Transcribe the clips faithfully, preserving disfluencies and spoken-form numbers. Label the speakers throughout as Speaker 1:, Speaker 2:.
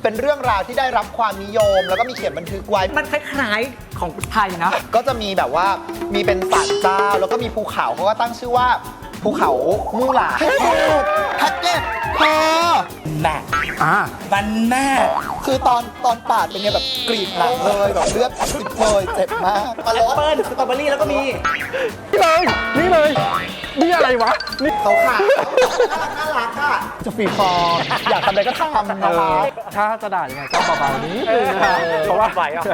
Speaker 1: เป็นเรื่องราวที่ได้รับความนิยมแล้วก็มีเขียนบันทึกไว้
Speaker 2: มันคล้ายๆของไทยนะ
Speaker 1: ก็จะมีแบบว่ามีเป็นศาลเจ้าแล้วก็มีภูเขาเขาก็ตั้งชื่อว่าภูเขามู่หลาแพ็กเกจพอ
Speaker 2: แม่อ่าวันแม่
Speaker 1: คือตอนตอนปาดเป็นไงแบบกรีดหลังเลยแบบเลือดติดเลยเจ็บมาก
Speaker 2: มาแล้วเปิ้ลสตรอเบอรี่แล้วก็มี
Speaker 3: นี่เลยนี่เลยนี่อะไรวะนี่
Speaker 1: เขาค่ะน่ารักค่ะจะฟรีฟอร์อยากทำอะไรก็ทำนะคะ
Speaker 3: ถ้าจะด่ายังไงก็เบาๆนี้เพราะว่าไหวอ่ะ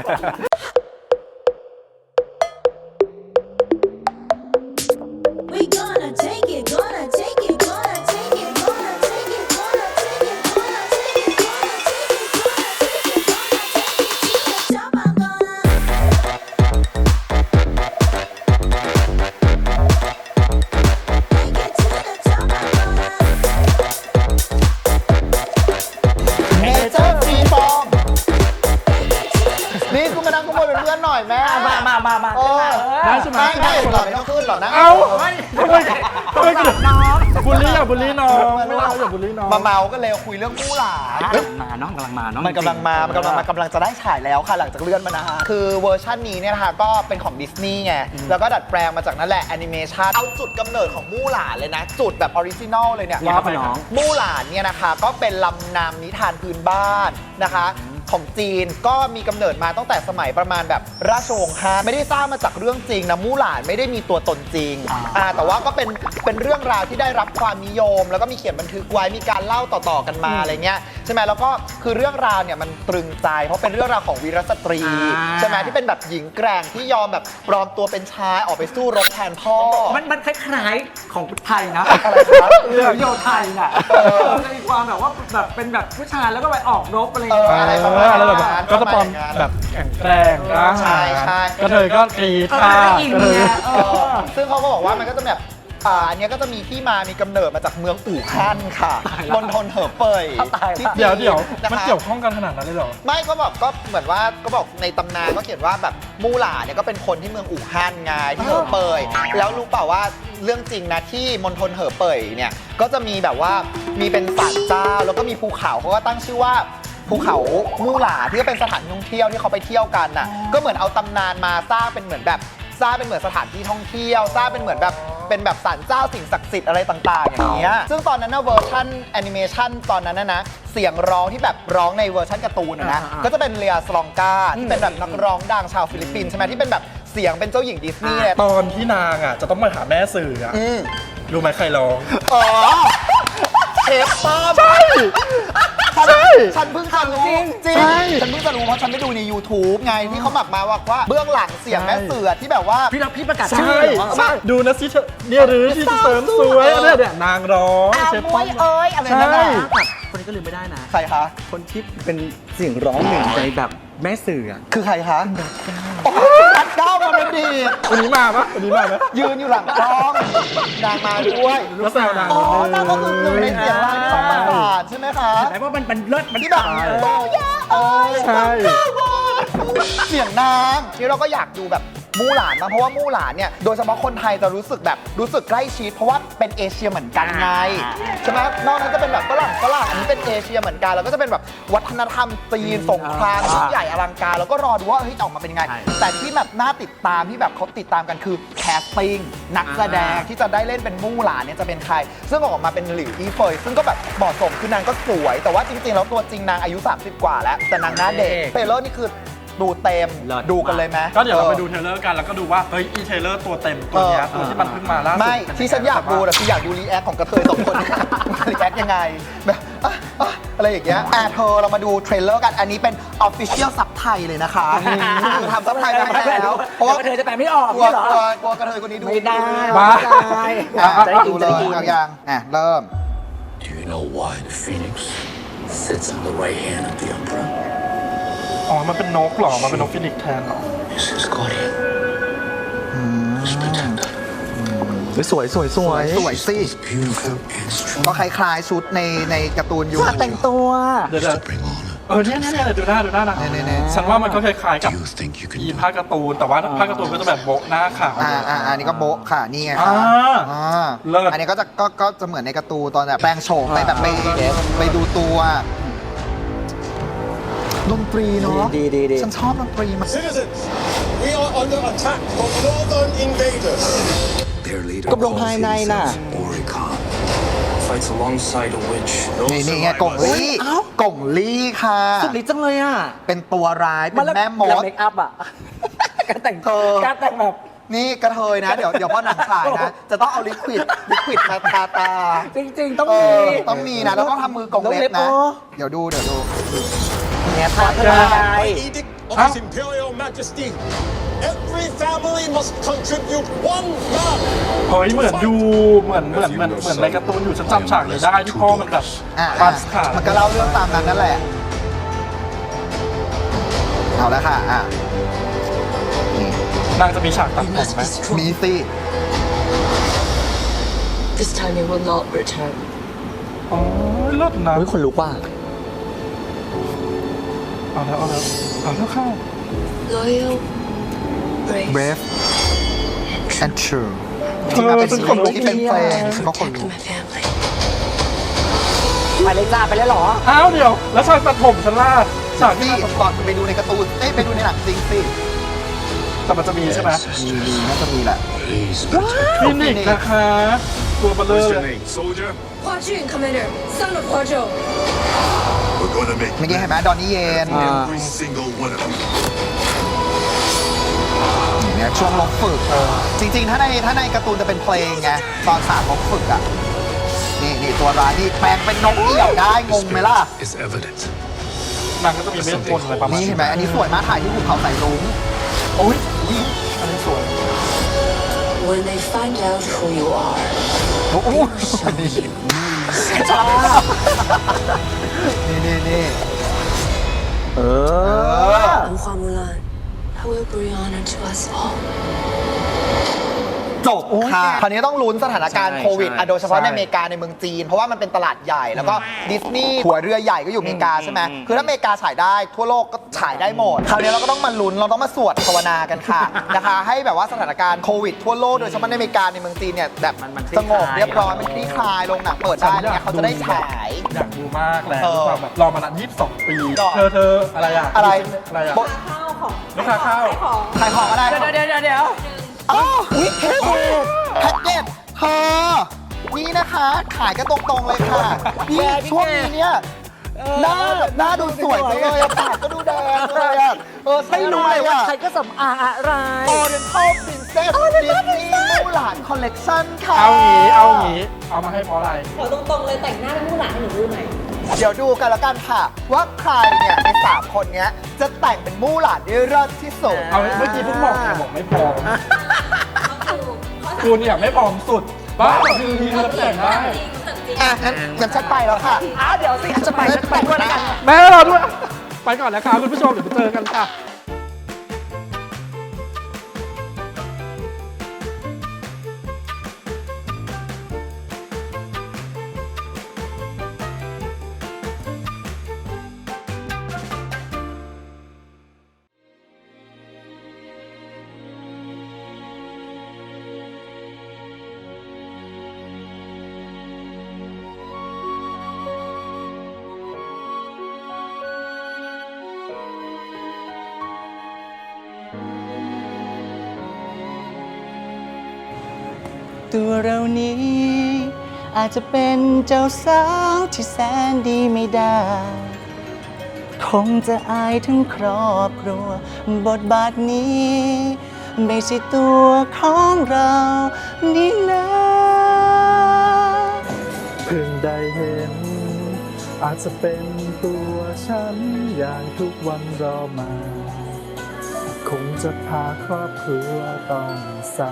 Speaker 1: มามามามา
Speaker 3: ได้ใช่ไหม
Speaker 1: ไม่หล่อไม่ต้องขึ้นหล่อนะ
Speaker 3: เอ้าทำไมทำไมกระน้องบุลลี่อ่ะบุลลี่น้องไม่เอาอย่าบุลลี่น้อง
Speaker 1: มาเมาก็เลยคุยเรื่องมู่หลา
Speaker 2: มาน้องกำลังมาน้อง
Speaker 1: มันกำลังมามันกำลังมากำลังจะได้ฉายแล้วค่ะหลังจากเลื่อนมานะฮะคือเวอร์ชันนี้เนี่ยนะคะก็เป็นของดิสนีย์ไงแล้วก็ดัดแปลงมาจากนั่นแหละแอนิเมชันเอาจุดกำเนิดของมู่หลาเลยนะจุดแบบออริจินอลเลยเนี่ยมู่หลาเนี่ยนะคะก็เป็นลำนำนิทานพื้นบ้านนะคะของจีนก็มีกำเนิดมาตั้งแต่สมัยประมาณแบบราชวงศ์ฮั่นไม่ได้สร้างมาจากเรื่องจริงนะมู่หลานไม่ได้มีตัวตนจริงอ่าแต่ว่าก็เป็นเป็นเรื่องราวที่ได้รับความนิยมแล้วก็มีเขียนบันทึกไว้มีการเล่าต่อๆกันมาอะไรเงี้ยใช่ไหมแล้วก็คือเรื่องราวเนี่ยมันตรึงใจเพราะเป็นเรื่องราวของวีรสตรีใช่ไหมที่เป็นแบบหญิงแกร่งที่ยอมแบบปลอมตัวเป็นชายออกไปสู้รบแทนพ่อ
Speaker 2: มันมันคล้ายๆของไทยนะ
Speaker 1: อะไรครับ
Speaker 2: เรื่องโยไทยน่ะจะมีความแบบว่าแบบเป็นแบบผู้ชายแล้วก็ไปออกรบอะไร
Speaker 1: อะไรประมาณนั้น
Speaker 3: ก็จะปลอมแบบแข็งแกร่งนะ
Speaker 1: ใช่ใช่
Speaker 3: กระเทยก็ตีท่า
Speaker 1: ซึ่งเขาก็บอกว่ามันก็จะแบบอ่าอันนี้ก็จะมีที่มามีกำเนิดมาจากเมืองอู่ฮั่นค่ะมณฑลเหอเป่ย
Speaker 3: เดี๋ยวเดี๋ยวมันเกี่ยวข้องกันขนาดนั้นเลยเหรอ
Speaker 1: ไม่ก็แบบก็เหมือนว่าก็บอกในตำนานก็เขียนว่าแบบมู่หลาเนี่ยก็เป็นคนที่เมืองอู่ฮั่นไงที่เหอเป่ยแล้วรู้เปล่าว่าเรื่องจริงนะที่มณฑลเหอเป่ยเนี่ยก็จะมีแบบว่ามีเป็นศาลเจ้าแล้วก็มีภูเขาเขาก็ตั้งชื่อว่าภูเขามู่หลาที่ก็เป็นสถานท่องเที่ยวที่เขาไปเที่ยวกันน่ะก็เหมือนเอาตำนานมาสร้างเป็นเหมือนแบบสร้างเป็นเหมือนสถานที่ท่องเที่ยวสร้างเป็นเหมือนแบบเป็นแบบศาลเจ้าสิ่งศักดิ์สิทธิ์อะไรต่างๆอย่างเงี้ยซึ่งตอนนั้นนะเวอร์ชันแอนิเมชันตอนนั้นนะนะเสียงร้องที่แบบร้องในเวอร์ชันการ์ตูนนะก็จะเป็นเลียสลองกาที่เป็นแบบนักร้องดังชาวฟิลิปปินส์ใช่ไหมที่เป็นแบบเสียงเป็นเจ้าหญิงดิสนีย์
Speaker 3: ตอนที่นางอ่ะจะต้องมาหาแม่สื่ออ่ะรู้ไหมใครร้อง
Speaker 1: อ๋อเชฟป้อม
Speaker 3: ใช่ใช่
Speaker 1: ฉันเพิ่งจะรู้จริงจริงฉันเพิ่งจะรู้เพราะฉันไปดูใน ยูทูบ ไงที่เขาหมักมาว่าว่าเบื้องหลังเสียงแม่เสือที่แบบว่า
Speaker 2: พี่รับพี่ประกาศชื่อ
Speaker 3: ใช่ดูนะสิเนี่ยหรือที่เสริมสวยเนี่ยเนี่ยนางร้อง
Speaker 1: เชฟป้อมเอ้ยอะไรนั่นน่ะ
Speaker 2: คนนี้ก็ลืมไม่ได้นะ
Speaker 1: ใครคะ
Speaker 2: คนที่เป็นเสียงร้องหนึ่งในแบบแม่สื่อ
Speaker 1: คือใครคะรัดเก้ามาเป็นดี
Speaker 3: วันนี้มาปะวันนี้มาไหม
Speaker 1: ยืนอยู่หลังกล้องนางมาด้วย
Speaker 3: แล้วแซวนาง
Speaker 1: อ๋อนางก็คือหนึ่งในเสียงร้องที่สองบาทใช่ไหมคะ
Speaker 2: แต่ว่ามันเป็นเลิศมัน
Speaker 1: ที่แบบเออ
Speaker 3: ใช่
Speaker 1: เสียงนางนี่เราก็อยากดูแบบมู่หลานมาเพราะว่ามู่หลานเนี่ยโดยเฉพาะคนไทยจะรู้สึกแบบรู้สึกใกล้ชิดเพราะว่าเป็นเอเชียเหมือนกันไงใช่ไหมนอกนั้นจะเป็นแบบฝรั่งฝรั่งอันนี้เป็นเอเชียเหมือนกันแล้วก็จะเป็นแบบวัฒนธรรมจีนสงครามยิ่งใหญ่อลังการแล้วก็รอดูว่าเฮ้ยออกมาเป็นยังไงแต่ที่แบบน่าติดตามที่แบบเขาติดตามกันคือแคสติ้งนักแสดงที่จะได้เล่นเป็นมู่หลานเนี่ยจะเป็นใครซึ่งออกมาเป็นหลิวอี้เฟยซึ่งก็แบบเหมาะสมคือนางก็สวยแต่ว่าจริงๆแล้วตัวจริงนางอายุสามสิบกว่าแล้วแต่นางหน้าเด็กเทเลอร์นี่คือดูเต็มดูกันเลยไหม
Speaker 3: ก็เดี๋ยวเราไปดูเทเลอร์กันแล้วก็ดูว่าเฮ้ยอีเทเลอร์ตัวเต็มตัวนี้ตัวที่มันเพิ่งมาล่าสุด
Speaker 1: ไม่ที่ฉันอยากดูแต่คืออยากดูรีแอคของกระเทยสองคนรีแอคยังไงแบบอะไรอย่างเงี้ยอ่ะเธอเรามาดูเทรลเลอร์กันอันนี้เป็น Official ซับไทยเลยนะคะคือทำซับไทยมาแล้ว
Speaker 2: เพราะว่ากระเทยจะแปลไม่ออก
Speaker 1: กลัวกลัวกลัวกระเทยคนนี้ดู
Speaker 2: ไม่ได้
Speaker 3: บ้า
Speaker 1: จะดูเลยยังอ่ะเริ่ม
Speaker 4: Do you know why the phoenix sits on the right hand of the emperor
Speaker 3: อ๋อมันเป็นนกหรอมันเป็นนกฟินิกซ์แทนหรอ
Speaker 4: It's his guardian his protector
Speaker 1: สวยสวยสวยสวยสิก็คล้ายๆชุดในในการ์ตูนอยู่
Speaker 2: แต่งตัว
Speaker 3: เดี๋ยวเออเนี่ยเนี่ยดูหน้าดูหน้านะฉันว่ามันก็คล้ายๆกับอีผ้าการ์ตูนแต่ว่าผ้าการ์ตูนก็จะแบบโบะหน้าขาว
Speaker 1: อ่าอ่าอันนี้ก็โบะค่ะนี่ไงค่ะอันนี้ก็จะก็ก็จะเหมือนในการ์ตูนตอนแบบแปลงโฉมไปแบบไปไปดูตัวดนตรีเนาะ
Speaker 2: ดีดีดี
Speaker 1: ฉันชอบดนตรีมาก
Speaker 5: Citizens, we are under attack from northern invaders.
Speaker 4: Their leader
Speaker 2: กบลงภายในน่ะ
Speaker 4: Oricon. Fights alongside a witch.
Speaker 1: นี่นี่ไงกงลี่
Speaker 2: เอ้า
Speaker 1: กงลี่ค่ะ
Speaker 2: สุดฤทธิ์จังเลยอ่ะ
Speaker 1: เป็นตัวร้าย เป็น
Speaker 2: ล้ว
Speaker 1: แม่ม
Speaker 2: ล้ว
Speaker 1: ด
Speaker 2: เมคอัพอ่ะ การแต่ง
Speaker 1: เธอ
Speaker 2: การแต่งแบบ
Speaker 1: นี่กระเทยนะ เดี๋ยวเดี๋ยวพอหนังฉายนะ จะต้องเอาลิควิดลิควิดมาทาตา
Speaker 2: จริง ๆ ต้อง
Speaker 1: เอ
Speaker 2: มี
Speaker 1: อต้องมีนะ แล้วต้องทำมือกงเล็บ
Speaker 2: ต้องเล็
Speaker 1: นะ
Speaker 2: บอ๋อ
Speaker 1: เดี๋ยวดูเดี๋ยวดู
Speaker 2: เนี่ยทาทาย
Speaker 5: Edict of His Imperial Majesty. Every family must contribute one man.
Speaker 3: เฮ้ยเหมือนดูเหมือนเหมือนเหมือนเหมือนในการ์ตูนอยู่ฉันจำฉากนี้ได้ที่พ่อมันแบบ
Speaker 1: อ่ะ
Speaker 3: ปั
Speaker 1: อ่ะ
Speaker 3: สขา
Speaker 1: มันก็เล่าเรื่องตามนั้นนั่นแหละ เอาแล้วค่ะ อ่ะนี่
Speaker 3: นางจะมีฉากตัดผมไหม
Speaker 1: มีสิ
Speaker 6: This time he will not return.
Speaker 3: อ๋อเลิศนะ
Speaker 2: เฮ้ยคนลุกว่ะ
Speaker 3: เอาแล้วเอาแล้วเอาแล้วเข้า
Speaker 6: Loyal, brave,
Speaker 1: brave and true
Speaker 3: เอ
Speaker 1: ที่
Speaker 3: อ
Speaker 1: มาเป็น
Speaker 3: ฉัน
Speaker 1: เพ
Speaker 3: ข
Speaker 1: ล
Speaker 3: น
Speaker 1: ง
Speaker 3: ลุก
Speaker 1: ที่เป็นเพลงก็คน
Speaker 6: protect
Speaker 1: รู้
Speaker 6: my family.
Speaker 2: ไปเลยจ้าไปเลยเหรอ
Speaker 3: อ้าวเดี๋ยว แล้วฉากตัดผมฉันล่ะฉากที่
Speaker 1: นี่
Speaker 3: นางตัดผม
Speaker 1: ก่อนไปดูในการ์ตูน เอ้ยไปดูในหนังจริงสิ
Speaker 3: แต่มันจะมีใช่ไหม
Speaker 1: มีมีน่าจะมีแหละ
Speaker 4: Please, protect.
Speaker 3: ฟินิกซ์นะคะ ตัวเบลเลอ
Speaker 5: What's
Speaker 3: ร์
Speaker 5: your name, soldier?
Speaker 6: Hua Jun, Commander, son of Hua Zhou.
Speaker 5: We're gonna make
Speaker 1: เมื่อกี้เห็นไหมดอนนี่เยน
Speaker 5: every single one of you.
Speaker 1: เนี่ยช่วงลบฝึก จริงๆ ถ้าในถ้าในการ์ตูนจะเป็นเพลงไง ตอนฉากลบฝึกอ่ะ นี่นี่ตัวร้ายนี่แปลงเป็นนกเอี่ยวได้ งงไหมล่ะ
Speaker 4: Is evident.
Speaker 3: นางก็จะมีเวทมนต์อะไรประมาณ
Speaker 1: นี่เห็นไหมอันนี้สวยมากถ่ายที่ภูเขาสายรุ้ง
Speaker 3: โอ้ยอันนี้สวย
Speaker 6: When they find out who you are,
Speaker 1: โอ้โห
Speaker 6: ชอบ
Speaker 1: นี่นี่นี่
Speaker 2: เออ
Speaker 6: I'm Hua Mulan. I will bring honor to us all.
Speaker 1: จบค่ะ คราวนี้ต้องลุ้นสถานการณ์
Speaker 2: ใช่
Speaker 1: โควิด
Speaker 2: ใช่
Speaker 1: อ่ะโดยเฉพาะใน
Speaker 2: ใช่
Speaker 1: อเมริกาในเมืองจีน เพราะว่ามันเป็นตลาดใหญ่ แล้วก็ดิสนีย์หัวเรือใหญ่ก็อยู่อเมริกาใช่ไหม
Speaker 2: อืม
Speaker 1: คือถ้าอเมริกาฉายได้ทั่วโลกก็ฉายได้หมด คราวนี้เราก็ต้องมาลุ้น เราต้องมาสวดภาวนากันค่ะ นะคะ ให้แบบว่าสถานการณ์โควิดทั่วโลก โดยเฉพาะในอเมริกาในเมืองจีนเนี่ยแบบ
Speaker 2: มันมันคลี่
Speaker 1: สงบ
Speaker 2: คลาย
Speaker 1: เรียบร้อย มันคลี่คลายลงหนังเปิดได้เนี่ยเขาจะได้ฉาย
Speaker 3: อยากดูมากแล้ว
Speaker 1: เออ
Speaker 3: ความแบบรอมานานยี่สิบสองปี
Speaker 1: ก็
Speaker 3: เธอเธออะไรอะ
Speaker 1: อะไร
Speaker 3: อะไรอะ
Speaker 1: โบ๊ะ
Speaker 3: ลูกค้าข้าว
Speaker 1: ขายของอะไร
Speaker 2: เดี๋ยวเดี๋ยวเดี๋ยวเดี๋ยว
Speaker 1: อ๋ออุ๊ยแพ็กเกจแพ็กเกจเธอ นี่นะคะ ขายกันตรงๆเลยค่ะ นี่ช่วงนี้เนี่ย หน้าหน้าดูสวยจังเลยอะปากก็ดูแดงเลยอะเออ
Speaker 2: ไม่รู้เลยว่าใครก็สำอางอะไร
Speaker 1: โอเรนทัลปรินเซสดิสนีย์มู่หลานคอลเลกชันค่ะ
Speaker 3: เอางี้เอางี้เอามาให้เพราะอะไร
Speaker 7: ขอตรงๆเลยแต่งหน้าเป็นผู้หลานให้หนูดูหน่อย
Speaker 1: เดี๋ยวดูกันแล้วกันค่ะ ว่าใครเนี่ยในสามคนเนี้ยจะแต่งเป็นมู่หลานได้เลิศที่สุด
Speaker 3: เอาเมื่อกี้เพิ่งบอกไงบอกไม่พร้อมคุณเนี่ยไม่พร้อมสุดบ้าแต่คือทีเธอแต่งได้
Speaker 1: อ่ะงั้นงั้นฉันไปแล้วค่ะ
Speaker 2: อ้าวเดี๋ยวสิจะไปจะไปด้วยแล้วกัน
Speaker 3: แม่เราด้วย ไปก่อนแล้วครับคุณผู้ชมเดี๋ยวไปเจอกันค่ะ
Speaker 8: ตัวเรานี้อาจจะเป็นเจ้าสาวที่แสนดีไม่ได้ คงจะอายทั้งครอบครัว บทบาทนี้ไม่ใช่ตัวของเรานี่นะ
Speaker 3: เพิ่งได้เห็น อาจจะเป็นตัวฉันอย่างทุกวันรอมา คงจะพาครอบครัวต้องเศร้า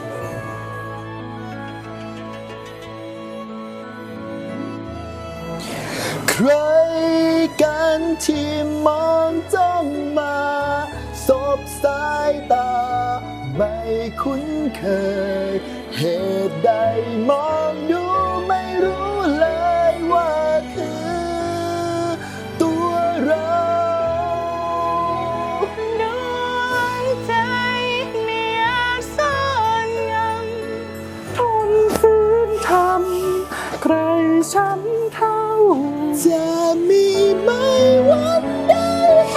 Speaker 1: ใครกันที่มองจ้องมาสบสายตา ไม่คุ้นเคย เหตุใดมองดูไม่รู้เลยว่าคือตัวเรา
Speaker 8: น้อยใจไม่อาจซ่อนยัง
Speaker 3: ทนฝืนทำใครช้ำเท่า
Speaker 1: จะมีไหมวันใด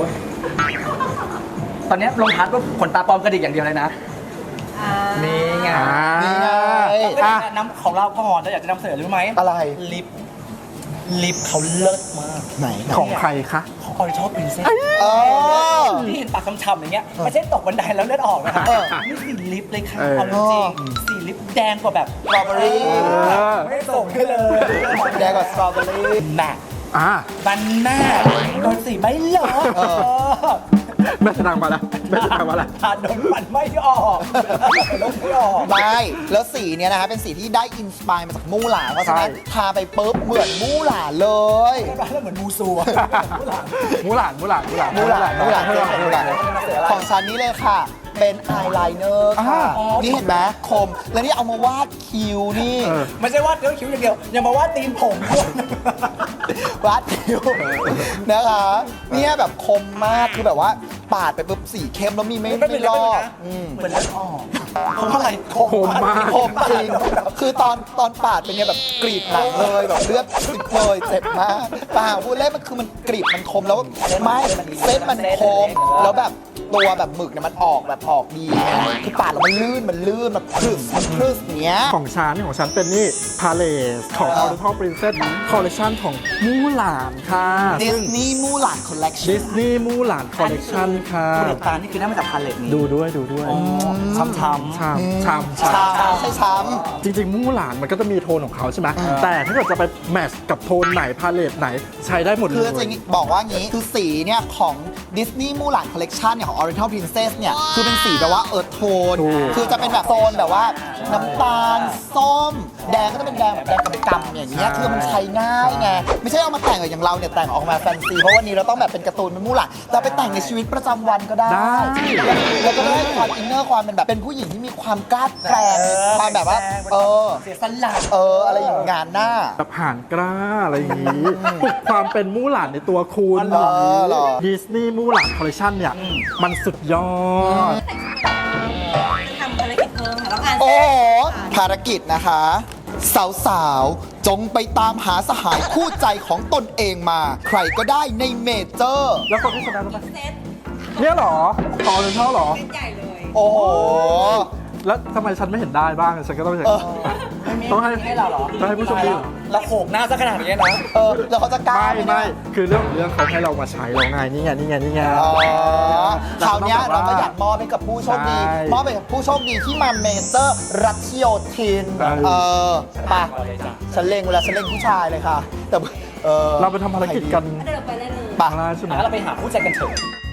Speaker 2: ตอนเนี้ยลงทัดว่าขนตาปลอมกระดิกอย่างเดียวเลยนะ นี่ไง
Speaker 1: นี่ไง
Speaker 2: อ่ะน้ำของเราก่อนเราอยากจะนำเสนอรู้ไหม
Speaker 1: อะไร
Speaker 2: ลิป ลิปเขาเลิศมาก
Speaker 1: ไหน
Speaker 3: ของใครคะ
Speaker 2: ของออริจินอลปรินเซส
Speaker 1: เออ
Speaker 2: ที่เห็นปากช้ำๆอย่างเงี้ยไม่ใช่ตกบันไดแล้วเลือดออกนะคะ
Speaker 1: เออ
Speaker 2: นี่สีลิปเลยค่ะ
Speaker 3: เออ
Speaker 2: เอาจริงๆสีลิปแดงกว่าแบบ
Speaker 1: สตรอเบอรี่
Speaker 2: ไม่ส่งให้เลย
Speaker 1: แดงกว่าสตรอเบอรี่
Speaker 2: แม็ก
Speaker 3: อ่า
Speaker 2: บันหน้าโดนสีไม่เหลอ
Speaker 1: เออ
Speaker 3: แม่สนางมาแล้วแม่สนางมาแล้ว
Speaker 2: ทานโดนฟันไม่ออกลบไม่ออก
Speaker 1: ไม่ แล้วสีเนี้ยนะคะเป็นสีที่ได้อินสปายมาจากมู่หลานเพราะฉะนั้น
Speaker 3: ใช่
Speaker 1: ทาไปปุ๊บเหมือนมู่หลานเลย
Speaker 2: แล้วเหมือนมูซูอะ
Speaker 3: มูหลานมูหลานมูหลาน
Speaker 1: มู่หลานมู่หลาน
Speaker 3: มูหลานมูหลาน
Speaker 1: ของฉันนี่เลยค่ะ เป็นอายไลเนอร์ค่ะ
Speaker 3: อ่า
Speaker 1: นี่เห็นไหมคม แล้วนี่เอามาวาดคิ้วนี่
Speaker 3: เออ
Speaker 2: ไม่ใช่วาดเนื้อคิ้วอย่างเดียวยังมาวาดตีนผมด้วย
Speaker 1: วาดคิ้วนะคะเนี่ยแบบคมมากคือแบบว่าปาดไปปุ๊บสีเข้มแล้วมีไม่
Speaker 2: ไม่
Speaker 1: ไม่
Speaker 2: เป็น
Speaker 1: ล
Speaker 2: ไร
Speaker 1: อก
Speaker 2: นะ
Speaker 1: อืม
Speaker 2: เหมือนเลือดออกเพราะอะไร
Speaker 3: คมมาก
Speaker 1: คมจริง คือตอนตอนปาดเป็นไงแบบกรีดหนังเลยแบบเลือดติดเลยเจ็บมากเปล่าพูดเล่นมันคือมันกรีดมันคมแล้วไม่เส้นมันคมแล้วแบบตัวแบบหมึกเนี่ยมันออกแบบออกดีไงคือปาดแล้วมันลื่นมันลื่นแบบพรึสมันพรึสเนี้ย
Speaker 3: ของฉันของฉันเป็นนี่พาเลสของ Oriental Princess Collection ของมู่หลานค่ะ
Speaker 1: ดิ
Speaker 3: ซึ่
Speaker 1: ส
Speaker 3: ง
Speaker 1: นีย์มูหลานคอลเลกชั
Speaker 3: ดิ
Speaker 1: น
Speaker 3: สนีย์มู่หลาน Collection ค่ะ
Speaker 2: ผลิตภัณฑ์นี่คือได้มาจากพาเลตนี้
Speaker 3: ดูด้วยดูด้วย
Speaker 2: ช้ำๆ
Speaker 3: ชามชามชาม
Speaker 1: ช้ำใช่ช้
Speaker 3: จริงๆมู่หลานมันก็จะมีโทนของเขาใช่ไหมแต่ถ้าเกิดจะไปแมทช์กับโทนไหนพาเลตไหนใช้ได้หมด
Speaker 1: ำ
Speaker 3: เล
Speaker 1: คือย จะบอกว่างี้คือสีเนี่ยของดิสนีย์มูหลานคอลเลกชันเนี่ยของ Oriental Princess เนี่ยคือเป็นสีแบบว่าเอิร์ธโทน
Speaker 3: ถูก
Speaker 1: คือจะเป็นแบบโซนแบบว่าน้ำตาลส้ม แดงก็จะเป็นแดงแบบแดงกำๆอย่างเงี้ยคือมันใช้ง่ายไงไม่ใช่เอามาแต่งอย่างเราเนี่ยแต่งออกมาแฟนซีเพราะวันนี้เราต้องแบบเป็นการ์ตูนเป็นมู่หลานเราไปแต่งในชีวิตประจำวันก็ได้
Speaker 3: ได้
Speaker 1: แล้วก็ได้ความอินเนอร์ความเป็นแบบเป็นผู้หญิงที่มีความกล้าแกร่งความแบบว่าเออ
Speaker 2: เสียสละ
Speaker 1: เอออะไรอย่างงานหน้า
Speaker 3: แบบห่านกล้าอะไรอย่างนี้ปลุกความเป็นมู่หลานในตัวคุณ
Speaker 1: อ๋อเหรอ
Speaker 3: ดิสนีย์มู่หลานคอลเลคชันเนี่ยมันสุดยอด
Speaker 7: ทำภารกิจเพิ่มค่ะต้องอ่าน
Speaker 1: โอ้โหภารกิจนะคะ สาวๆ จงไปตามหาสหายคู่ใจของตนเองมา ใครก็ได้ในเมเจอร์
Speaker 3: แล้วคนที่ชนะรู้ไหม
Speaker 7: เซต
Speaker 3: เนี่ยเหรอตอนเป็นเท่าเหรอ
Speaker 7: เซตใหญ่เลย
Speaker 1: โอ้โห
Speaker 3: แล้วทำไมฉันไม่เห็นได้บ้างฉันก็ต้องอย่าง
Speaker 1: เอ
Speaker 3: นี้
Speaker 1: อ
Speaker 3: ต้องให้
Speaker 2: ให้เราเหรอ
Speaker 3: ต้องให้ผู้ชมดี
Speaker 2: เราโขกหน้าซะขนาดนี้นะ
Speaker 1: เออ แล้วเขาจะกล้า
Speaker 3: ไม่
Speaker 1: ห
Speaker 3: ไม่
Speaker 1: เนี่ย
Speaker 3: คือเรื่องของเรื่องเขาให้เรามาใช้เราไงนี่ไงนี่ไงนี่ไง
Speaker 1: อ๋อคราวเนี้ย
Speaker 3: เรา
Speaker 1: เรา
Speaker 3: ก็
Speaker 1: ก็
Speaker 3: แบบว่า
Speaker 1: อยากมอบให้กับผู้โชคดี
Speaker 3: ใช่
Speaker 1: มอบให้กับผู้โชคดีที่มาเมเจอร์รัชโยธิน
Speaker 3: เออ
Speaker 1: เออไปฉันเล็งเวลาฉันเล็งผู้ชายเลยค่ะ แต่เออ
Speaker 3: เราไปทำภารกิจกัน
Speaker 7: เดินไปได้เลย
Speaker 1: ไป
Speaker 3: ได้ใช่ไหม
Speaker 2: งั้นเราไปหาคู่ใจกันเถอะ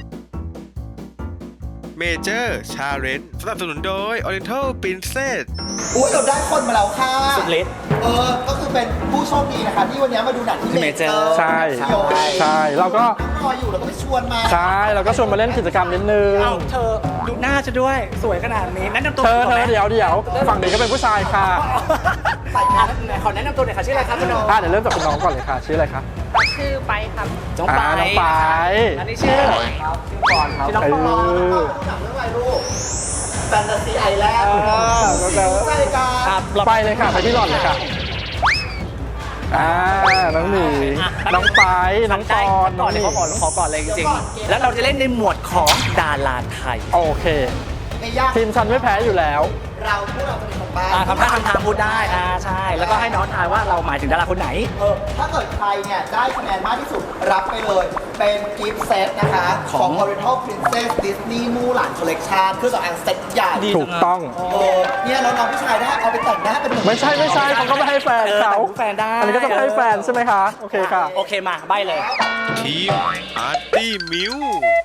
Speaker 9: เมเจอร์ชาเลนจ์สนับสนุนโดย Oriental Princess
Speaker 1: อุ้ยเราได้คนมาแล้วค่ะ
Speaker 2: สุดฤทธิ์
Speaker 1: เออ ก็คือเป็นผู้โชคดีนะคะที่วันนี้มาดูหนังที่
Speaker 2: ที่
Speaker 1: เมเจอ
Speaker 2: Major
Speaker 1: ร์
Speaker 3: ใช่ ใช่เราก็
Speaker 1: รออยู่เราก็ไปชวนมา
Speaker 3: ใช่เราก็ชวนมาเล่นกิจกรรมนิดนึง
Speaker 2: เอ้าเธอดูหน้าฉันด้วย สวยขนาดนี้แนะนำตัว
Speaker 3: เธอ
Speaker 2: ก่น
Speaker 3: เธ
Speaker 2: ไหม
Speaker 3: อเดี๋ยวเดี๋ยวฝั่งนี้ก็เป็นผู้ชายค่ะ
Speaker 2: อ่ะไหนขอแนะนำตัวหน่อยค่ะชื่ออะไรครับคุณน้อง
Speaker 3: อ่ะเดี๋ยวเริ่มจากคุณน้องก่อนเลยค่ะ ชื่ออะไรคะ
Speaker 7: ชื่อไปครับ
Speaker 2: น้อง
Speaker 3: อ่า
Speaker 2: ปาย
Speaker 3: น้องปาย
Speaker 2: อันนี้ชื่อชื่อปอนครับชื่อน้อง
Speaker 3: เอ
Speaker 2: ปอน
Speaker 3: อ
Speaker 1: หนังเรื่องอะไรลูกแฟนตาซีไอแลนด์
Speaker 3: ก็จะ
Speaker 1: ใจกัน
Speaker 2: ครับเรา
Speaker 3: ไปเลยค่ะ ไปที่หล่อนเลยค่ะ อ่า น้องหนีน้องไปน้องปอน
Speaker 2: ก่อนเลยเขาขอขอก่อนเลยจริงๆ แล้วเราจะเล่นในหมวดของดาราไทย
Speaker 3: โอเค
Speaker 1: ไม่ยาก
Speaker 3: ทีมฉันไม่แพ้อยู่แล้ว
Speaker 1: เราพวกเราจะเป็นคนบ้า
Speaker 2: อ่าทำท่าทำทางพูดได้ อ่าใช่ แล้วก็ให้น้องทายว่าเราหมายถึงดาราคนไหน
Speaker 1: เออถ้าเกิดใครเนี่ยได้คะแนนมากที่สุดรับไปเลย เป็นกิฟต์เซตนะคะ ของ Oriental Princess Disney มู่หลาน Collection เครื่องสำอางเซตใหญ่
Speaker 2: ดี
Speaker 3: ถูกต้อง
Speaker 1: เออเนี่ยแล้วน้องผู้ชายได้เอาไปแต่งหน้าเป็นหนุ่ม
Speaker 3: ไม่ใช่ไม่ใช่เขาก็ไม่ให้แฟน
Speaker 2: เออ
Speaker 3: เขา
Speaker 2: แต่งแฟนได้
Speaker 3: อันนี้ก็จะให้แฟนใช่ไหมคะ โอเคค่ะ
Speaker 2: โอเคมาใบเลย
Speaker 9: ทีมอาร์ตี้มิว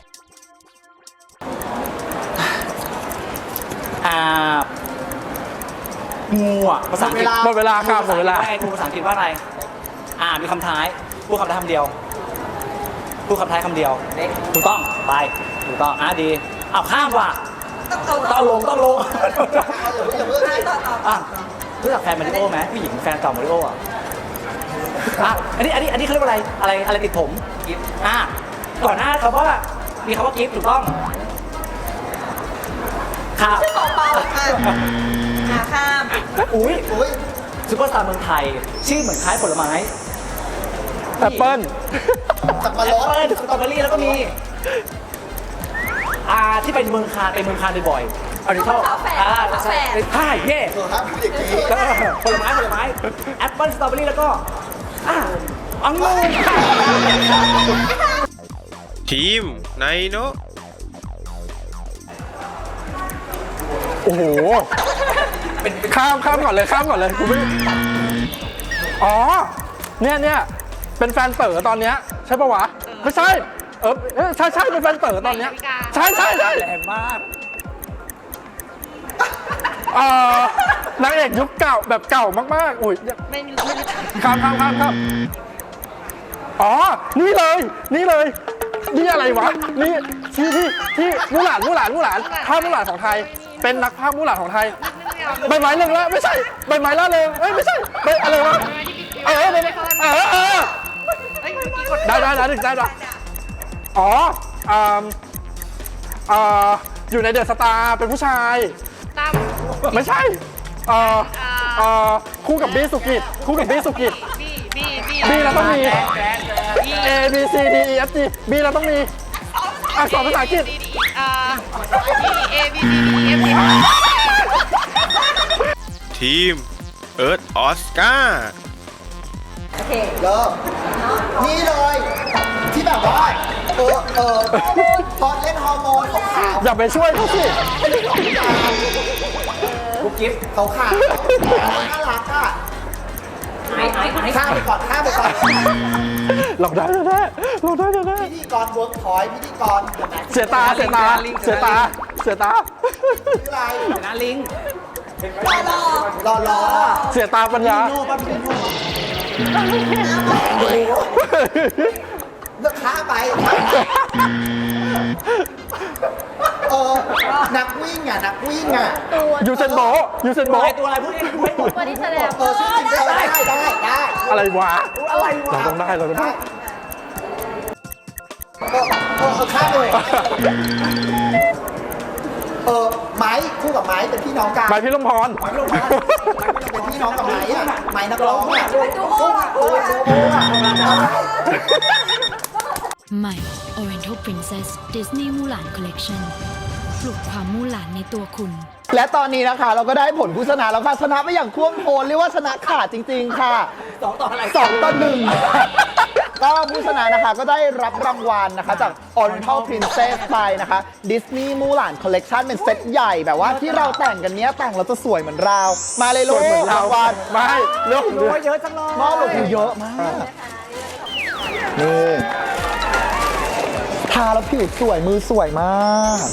Speaker 2: อ่างูอ่ะภาษาอังกฤษ
Speaker 3: หมดเวลาครับหมดเวลา
Speaker 2: ว่าไงงูภาษาอังกฤษว่าอะไร อ่ามีคำท้าย พูดคำท้ายคำเดียว พูดคำท้ายคำเดียว ถูกต้อง ไป ถูกต้อง อ่ะดีเอาข้ามว่ะ ต้องลง ต้องลงอ่ะรู้จักแฟนมาริโอไหมผู้หญิงแฟนเก่ามาริโออ่ะอ่ะอันนี้ อันนี้ อันนี้เขาเรียกว่าอะไร อะไร อะไรติดผม กิฟต์อ่ะก่อนหน้าคำว่า มีคำว่ากิฟต์ถูกต้องค่ะ
Speaker 7: เปล่าๆค่ะขาข้าม
Speaker 2: อุ้ย
Speaker 1: อุ้ย
Speaker 2: ซุปเปอร์สตาร์เมืองไทย ชื่อเหมือนคล้ายผลไม้
Speaker 3: แอปเปิ้ล
Speaker 1: สับปะ
Speaker 2: แอ
Speaker 1: ร
Speaker 2: ป
Speaker 1: ด
Speaker 2: เปิ้ลสตรอเบอรี่แล้วก็มีอ่าที่เป็นเมืองคานไปเมืองคานบ่อยๆออริทัลอ่าใช่ใช่เย่
Speaker 1: เออครับเด็กนี้
Speaker 2: เออผลไม้ผลไม้แอปเปิ้ลสตรอเบอรี่แล้วก็อ่าองุ่น
Speaker 9: ทีมไนโน
Speaker 3: โอ้โห ข้ามข้ามก่อนเลยข้ามก่อนเลยกูไม่อ๋อ เนี่ยเนี่ยเป็นแฟนเต๋อตอนเนี้ยใช่ปะวะ ไม่ใช่ เออเออใช่ใช่เป็นแฟนเต๋อตอนเนี้ยใช่ใช่ใช่
Speaker 2: แรงมาก
Speaker 3: เอ่อนางเอกยุคเก่าแบบเก่ามากๆ อุ้ย
Speaker 7: ไม่มีไม่มี
Speaker 3: ข้ามข้ามข้ามข้ามอ๋อ นี่เลย นี่เลย นี่อะไรวะ นี่ที่ที่ที่มู่หลานมู่หลานมู่หลานภาพมู่หลานของไทย เป็นนักภาพมู่หลานของไทย ใบไม้เรื่องละไม่ใช่ ใบไม้ล่าเริงเอ้ยไม่ใช่ใบอะไรวะ เออใบไม้เออเออได้ได้ได้ได้ได้อ๋ออ่าอ่าอยู่ในเดอะสตาร์เป็นผู้ชาย
Speaker 7: ตั้ม
Speaker 3: ไม่ใช่เอ่อเอ่อคู่กับบี้สุกิจคู่กับบี้สุกิจ
Speaker 7: บีบีบี
Speaker 3: บี้เราต้องมี A B C D E F G B เราต้องมีอักษรภาษาอังกฤษ
Speaker 7: อ่าบีเอบีบีเอฟบี
Speaker 9: ทีมเอิร์ธออสการ์
Speaker 1: เริ่มนี่เลย ที่แบบว่า เออเออตอนเล่นฮอร์โมนขาว
Speaker 3: อย่าไปช่วยเขาสิ
Speaker 2: กุ๊กกิ๊บ
Speaker 1: ๆขาวขาวน่ารักอ่ะ
Speaker 2: ไอ้ไอ้ไอ้
Speaker 1: ข้ามไปก่อนข้ามไปก่อน
Speaker 3: เราได้แน่ๆเราได้แน่
Speaker 1: พิธีกรเวิร์กพอยต์พิธีกร
Speaker 3: ๆเสียตาเสียตาเสียตาเสียตา
Speaker 1: ชื่ออะไร
Speaker 2: เดี๋ยวนะลิง
Speaker 1: รอรอ
Speaker 3: เสียตาปัญญา
Speaker 1: โน่ป่ะพี่โน่เลือกข้าไป เออ นักวิ่งอ่ะ นักวิ่งอ่ะ
Speaker 3: ยูเซนโบะยูเซน
Speaker 2: ตัว
Speaker 3: โบะ
Speaker 2: อะไรตัวอะไรพูดดิพูดให้หมด
Speaker 7: ตัวที่แสดง
Speaker 1: เออชื่อจริงได้ได้ได้ได้
Speaker 3: อะไรวะ
Speaker 2: อะไรวะ
Speaker 3: เราต้องได้เราต้องได้
Speaker 1: เออเออเออข้ามไปเลยเออไม้คู่กับไม้เป็นพี่น้องกัน
Speaker 3: หมายพี่ลมพร
Speaker 1: เป็นพี่น้องกับไม้อะไม้นักร้องอะ
Speaker 7: ดูโอ้โห
Speaker 10: ใหม่ Oriental Princess Disney Mulan Collection ปลุกความมู่หลานในตัวคุณ
Speaker 1: และตอนนี้นะคะเราก็ได้ผลผู้ชนะแล้วค่ะชนะไปอย่างท่วมท้นเรียกว่าชนะขาดจริง ๆ ค่ะ
Speaker 2: สองต่ออะไร
Speaker 1: สองต่อหนึ่งก็ผู้ชนะนะคะก็ได้รับรางวัลนะคะจาก Oriental Princess ไปนะคะ Disney Mulan Collection เป็นเซตใหญ่แบบว่าที่เราแต่งกันเนี้ยแต่งเราจะสวยเหมือนเรา มาเลย
Speaker 3: ส
Speaker 1: ลู
Speaker 3: วยเหมือน
Speaker 1: ก
Speaker 3: เรา
Speaker 1: รางวัล
Speaker 3: ไม่เรื่อง
Speaker 2: โอ้ยเยอะจังเลย
Speaker 1: มอบลงทุนเยอะมาก นี่ทาแล้วผิวสวยมือสวยมาก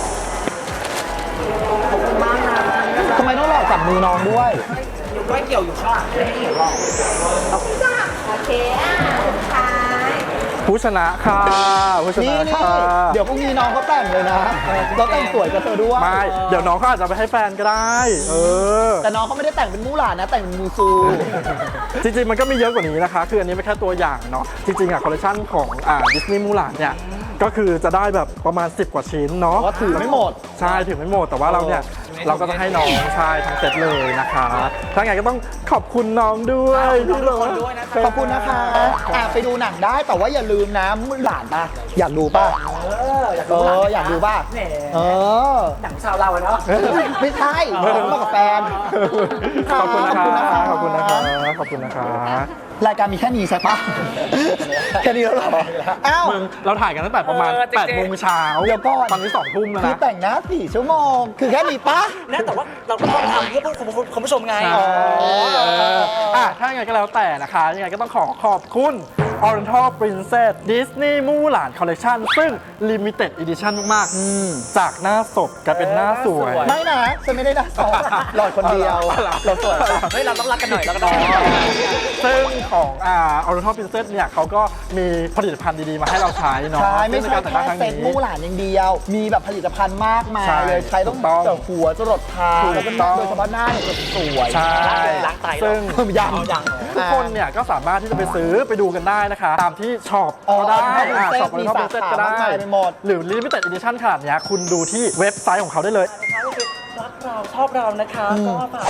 Speaker 1: ทำไมต้องหลอกจับมือน้องด้วย
Speaker 2: อยู่ใกล้เกี่ยวอยู่ข้างหลังไม่ให้เห็นหรอก
Speaker 7: โอเคอ่ะสุดท้าย
Speaker 3: ผู้ชนะค่ะผู้ช
Speaker 1: นี่
Speaker 3: นะ
Speaker 1: นี่
Speaker 3: ค่ะ
Speaker 1: เดี๋ยวพรุ่งนี้น้องเขาแต่งเลยนะเราแต่งสวยกับเธอด้วย
Speaker 3: ไม่เดี๋ยวน้องเขาอาจจะไปให้แฟนก็ได้ เออ
Speaker 1: แต่น้องเขาไม่ได้แต่งเป็นมูหลานนะ แต่งเป็นมูซู
Speaker 3: จริงๆ มันก็มีเยอะกว่านี้นะคะ คืออันนี้เป็นแค่ตัวอย่างเนาะ จริงๆอะคอลเลคชันของอ่าดิสนีย์มูหลานเนี่ย ก็คือจะได้แบบประมาณสิบกว่าชิ้นเนาะ
Speaker 1: ว่าถือไม่หมด
Speaker 3: ใช่ถือไม่หมด แต่ว่าเราเนี่ย เราก็จะให้น้องใช่ทั้งเซตเลยนะคะถ้าไงก็ต้องขอบคุณน้องด้วยที่เรา
Speaker 1: ขอบคุณนะคะอ่ะไปดูหนังได้แต่ว่าอย่าลืมนะมูหลานป่ะ อยากดูป่ะ
Speaker 2: เอออยาก
Speaker 1: เอ
Speaker 2: ดู
Speaker 1: อ อยากดูป่ะ
Speaker 2: แหม
Speaker 1: เออ
Speaker 2: หนังชาวเราอะเนาะ
Speaker 1: ไม่ใช่มากับแฟน
Speaker 3: ขอบคุณนะคะ
Speaker 1: ขอบคุณนะคะ
Speaker 3: ขอบคุณนะคะ
Speaker 1: รายการมีแค่นี้ใช่ปะ แค่นี้แล้วเหรอ อ้าว
Speaker 3: มึงเราถ่ายกันตั้งแต่ประมาณ
Speaker 2: เออจริงๆ
Speaker 3: แปดโมงเช้า
Speaker 1: เดี๋ยวก่อน
Speaker 3: ตอนนี้สองทุ่มแล้ว
Speaker 1: คือ
Speaker 3: นะ
Speaker 1: แต่งหน้าสี่ชั่วโมง คือแค่นี้ปะ
Speaker 2: นะแต่ว่าเราก็ต้องทำเพื่อคุณผู้ชมไง
Speaker 3: ใช่เอออ่ะถ้ายังไงก็แล้วแต่นะคะ ยังไงก็ต้องขอขอบคุณ Oriental Princess Disney Mulan Collection ซึ่ง Limited Edition มากๆ จากหน้าศพกลายเป็นหน้าสวย
Speaker 1: ไม่นะฉันไม่ได้นะสองหลอดคนเดียว เราสวย
Speaker 2: เฮ้ยเราต้องรักกันหน่อยรักกันหน่อย
Speaker 3: ซึ่งของอ่า Oriental Princess เนี่ยเขาก็มีผลิตภัณฑ์ดีๆ มาให้เราใช้เนาะ
Speaker 1: ใช่ ไม่
Speaker 3: ซึ่ง
Speaker 1: ใช่
Speaker 3: นการแต่งหน้า
Speaker 1: แค่
Speaker 3: ครั้ง
Speaker 1: เซ็ต
Speaker 3: นี้
Speaker 1: มู่หลานอย่างเดียว มีแบบผลิตภัณฑ์มากมาย
Speaker 3: ใช่
Speaker 1: เลยใช้ต้อง
Speaker 3: ถูกต้อง
Speaker 1: จากหัวจรดเท้า
Speaker 3: ถูก
Speaker 1: แล้วก็
Speaker 3: ต้อง
Speaker 1: โดยเฉพาะหน้าเนี่ยจะสวย
Speaker 3: ใช่
Speaker 2: ล้างไตเหรอ
Speaker 3: ซึ่ง
Speaker 1: ยัง
Speaker 2: ยัง
Speaker 3: ทุกคนเนี่ยก็สามารถที่จะไปซื้อไปดูกันได้นะคะ ตามที่ช็อปก็ได้
Speaker 1: Oriental
Speaker 3: อ่า
Speaker 1: Princess
Speaker 3: ช็อป
Speaker 1: มี
Speaker 3: Oriental
Speaker 1: สา
Speaker 3: Princess
Speaker 1: ขา
Speaker 3: ก็ได้
Speaker 1: มากมายไปหมด
Speaker 3: หรือ Limited Edition ขนาดเนี้ยคุณดูที่เว็บไซต์ของเขาได้เลย
Speaker 2: ก็คือรักเราชอบเรานะคะ ก็ฝากกด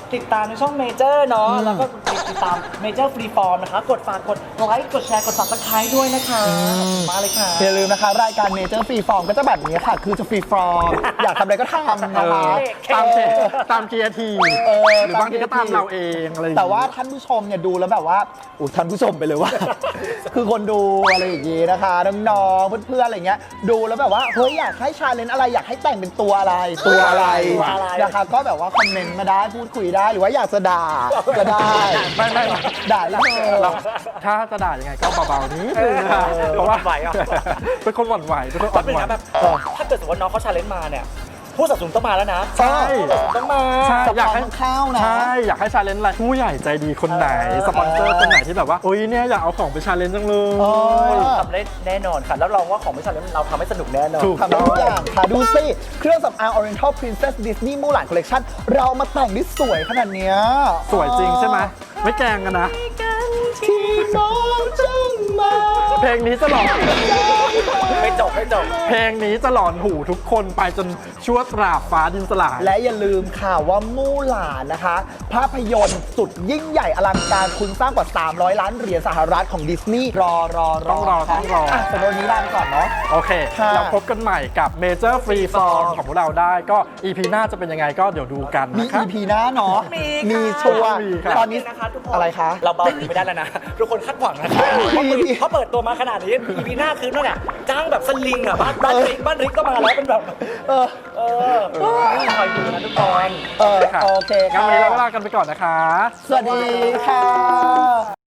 Speaker 2: ติดตามในช่องเมเจอร์เนาะแล้วก็ติดตามเมเจอร์ฟรีฟอร์มนะคะกดฝากกดไลค์กดแชร์กด ซับสไครบ์ ด้วยนะคะมาเลยค่ะ
Speaker 1: อย่าลืมนะคะ รายการ Major Free Form ก็จะแบบนี้ค่ะ คือจะฟรีฟอร์ม อยากทำอะไรก็ทำนะคะ
Speaker 3: ตามเทตามเคียร์ที
Speaker 1: เออ
Speaker 3: หรือบางทีก็ตามเราเองอะไรอย่ง
Speaker 1: แต่
Speaker 3: งี้
Speaker 1: ว่าท่านผู้ชมเนี่ยดูแล้วแบบว่าอู้ท่านผู้ชมไปเลยว่า คือคนดูอะไรอย่างงี้นะคะน้องๆเพื่อนๆอะไรเงี้ยดูแล้วแบบว่าเฮ้ยอยากให้ชาเลนจ์อะไรอยากให้แต่งเป็นตัวอะไรตัวอะไร
Speaker 2: ตัวอะไร
Speaker 1: นะคะก็แบบว่าคอมเมนต์มาได้พูดคุยได้หรือว่าอยากจะด่าก็ได้
Speaker 3: ไม่ไม่
Speaker 1: ด่าได้เลย
Speaker 3: เราถ้าจะด่ายังไงก็เบาๆนิดนึงนะเพราะว่า
Speaker 2: หวั่นไหวอ่ะ
Speaker 3: เป็นคนหวั่นไหวเป็นคนอ่อน
Speaker 2: เป็น
Speaker 3: ไหว
Speaker 2: นะแบบถ้าเกิดสมมติว่าน้องเขาชาเลนจ์มาเนี่ยผู้สนับสนุนต้องมาแล้วนะ
Speaker 3: ใช่
Speaker 2: ต้องมา
Speaker 3: ใช่อยากให้
Speaker 1: ข้าวนะ
Speaker 3: ใช่อยากให้ชาเลนจ์อะไรผู้ใหญ่ใจดีคนไหน สปอนเซอร์คนไหนที่แบบว่าโอ้ยเนี่ยอยากเอาของไปชาเลนจ์จังเลย
Speaker 2: ทำได้แน่นอนค่ะแล้วรองว่าของไม่ชาเลนจ์เราทำให้สนุกแน่นอน
Speaker 3: ถูก
Speaker 1: ทำได้ทุกอย่างค่ะ ดูสิเครื่องสำอาง Oriental Princess Disney Mulan Collection เรามาแต่งได้สวยขนาดเนี้ย
Speaker 3: สวยจริงใช่ไหมไม่แกล้งกันนะ
Speaker 1: ที่น้องจังมา
Speaker 3: เพลงนี้จะหลอน
Speaker 2: ไม่จบไม่จบ
Speaker 3: เพลงนี้จะหลอนหูทุกคนไปจนชั่วตราบฟ้าดินสลาย
Speaker 1: และอย่าลืมค่ะว่ามู่หลานนะคะ ภาพยนตร์สุดยิ่งใหญ่อลังการคุณสร้างกว่า สามร้อย ล้านเหรียญสหรัฐของดิสนีย์รอรอ
Speaker 3: ต้องรอ
Speaker 1: ค่ะ
Speaker 3: ต้องรออ่
Speaker 1: ะสำหรับวันนี้ลาไปก่อนเนาะ
Speaker 3: โอเค
Speaker 1: ค่ะ
Speaker 3: เราพบกันใหม่กับ Major Free Form ของพวกเราได้ก็ อี พี หน้าจะเป็นยังไงก็เดี๋ยวดูกัน
Speaker 1: มี
Speaker 3: นะครับ
Speaker 1: อี พี หน้าเนาะ
Speaker 2: มี
Speaker 1: มี
Speaker 2: ค่ะ
Speaker 1: ชัวร์
Speaker 3: มีค่ะ
Speaker 1: ตอนนี้
Speaker 2: นะคะทุกคน
Speaker 1: อะไรคะ
Speaker 2: เราเบาไม่ได้แล้วนะ ทุกคนคาดหวังนะคะ
Speaker 1: มีมี
Speaker 2: เขาเปิดตัวมาขนาดนี้ อี พี หน้าคือนั่นแหละจ้างแบบสลิงอ่ะบ้านบ้านริกบ้านริกก็มาแล้วเป็นแบบ
Speaker 1: เออ
Speaker 2: เออคอยดูนะทุกคน
Speaker 1: เออ
Speaker 3: ค่ะ
Speaker 1: โอเค
Speaker 3: งั้น
Speaker 1: ค่ะ
Speaker 3: วันนี้เราลากันไปก่อนนะคะ
Speaker 1: สวัสดีค่ะ